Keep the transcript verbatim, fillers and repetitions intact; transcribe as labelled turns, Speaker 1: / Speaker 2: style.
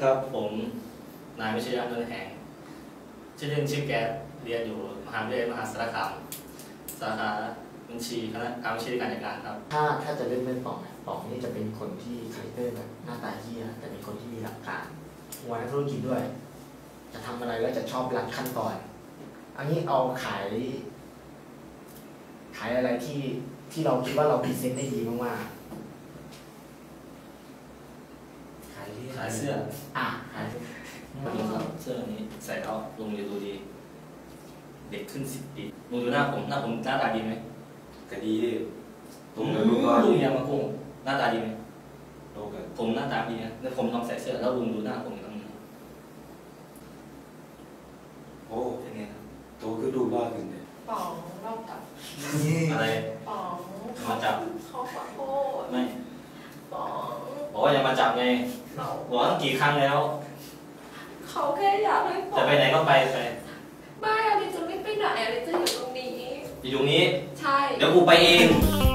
Speaker 1: ครับผมนายวิชยานนท์แหงชื่อเล่นชื่อแก๊สเรียนอยู่มหาวิทยาลัยมหาสารคามสาขาบัญชีคณะการบัญชีการจัดการครับ
Speaker 2: ถ้าถ้าจะเล่นเล่นป๋องเนี่ยป๋องนี่จะเป็นคนที่คาแรคเตอร์แบบหน้าตาเหี้ยแต่เป็นคนที่มีหลักการหัวนักธุรกิจด้วยจะทำอะไรแล้วจะชอบรัดขั้นตอนอันนี้เอาขายขายอะไรที่ที่เราคิดว่าเราพรีเซนต์ได้ดีมากๆขายที่
Speaker 1: ขายเสื้อ
Speaker 2: อ่ะขาย
Speaker 1: เสื้อนี้ใส่แล้วลุงจะดูดี เด็กขึ้นสิบปีลุงดูหน้าผมหน้าผมหน้าตาดีไหม
Speaker 3: ก็ดี
Speaker 1: ลุงลุงก็ลุงยังมาโกงหน้าตาดีไหม
Speaker 3: โลกัน
Speaker 1: ผมหน้าตาดีนะแล้วผมลองใส่เสื้อแล้วลุงดูหน้าผมตรงนี้
Speaker 3: โอ้เป็นไงครับตัวคือดูบ้าขึ้นเลย
Speaker 4: ป๋องเรากับ
Speaker 1: อะไร
Speaker 4: ป๋อง
Speaker 1: มาจับ
Speaker 4: เขาขอโทษ
Speaker 1: ไม่
Speaker 4: ป๋อง
Speaker 1: บอกว่าอย่ามาจับไงบอกตั้งกี่ครั้งแล้ว
Speaker 4: เขาแค่อยากให้ป๋อง
Speaker 1: จะไปไหนก็ไปไป
Speaker 4: ไม่อะไรจะไม่ไปไหนอะไรจะอยู่ตรงนี้
Speaker 1: อยู่ตรงนี้
Speaker 4: ใช่
Speaker 1: เดี๋ยวกูไปเอง